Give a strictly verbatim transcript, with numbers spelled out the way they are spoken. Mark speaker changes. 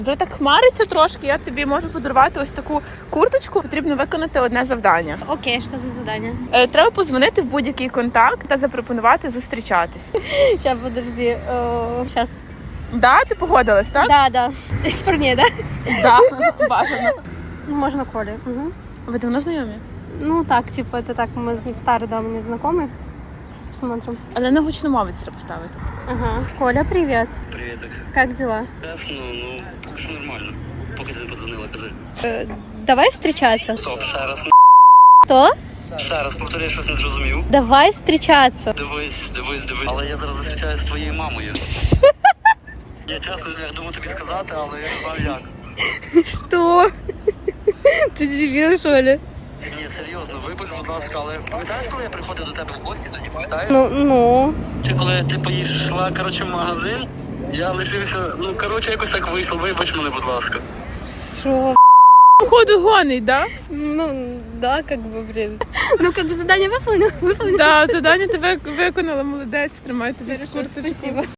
Speaker 1: Вже так хмариться трошки, я тобі можу подарувати ось таку курточку. Потрібно виконати одне завдання.
Speaker 2: Окей, що за задання?
Speaker 1: Е, Треба позвонити в будь-який контакт та запропонувати зустрічатись.
Speaker 2: Сейчас, подожди. Сейчас.
Speaker 1: Да, ти погодилась, так?
Speaker 2: Да, да. Из парней, да?
Speaker 1: Да, бажано.
Speaker 2: Ну, можно Коле. Угу.
Speaker 1: Ви давно знайомі?
Speaker 2: Ну, так, типа, это так, мы старые давние знакомые. Сейчас посмотрим.
Speaker 1: Але на гучномовець треба поставити.
Speaker 2: Ага. Коля, привет.
Speaker 3: Привіток.
Speaker 2: Как дела?
Speaker 3: Ясно, ну, поки що нормально. Поки ти не подзвонила, кажи.
Speaker 2: Э, давай встречаться.
Speaker 3: Стоп, ще раз.
Speaker 2: Что?
Speaker 3: Ще раз повторюю, щось не зрозумів.
Speaker 2: Давай встречаться.
Speaker 3: Дивись, дивись, дивись. Але я зараз зустрічаюся з твоєю мамою. Я чесно, я думаю тобі сказати, але я не знаю як.
Speaker 2: Что? Ты дебил, что ли?
Speaker 3: Ні, серйозно, вибач, будь ласка, але пам'ятаєш, коли я приходив до тебе в гості, тоді пам'ятаєш?
Speaker 2: Ну, ну.
Speaker 3: Чи коли ти поїшла, коротше, в магазин, я лишився, ну, коротше, якось так вийшло, вибач мене, будь ласка.
Speaker 2: Шо?
Speaker 1: Походу гонить, да?
Speaker 2: Ну, да, как бы, блин. Ну, как бы задание выполнено, выполнено.
Speaker 1: Да, завдання ти вик- виконала, молодець, тримай тобі
Speaker 2: Хорошо,
Speaker 1: курточку.
Speaker 2: спасибо.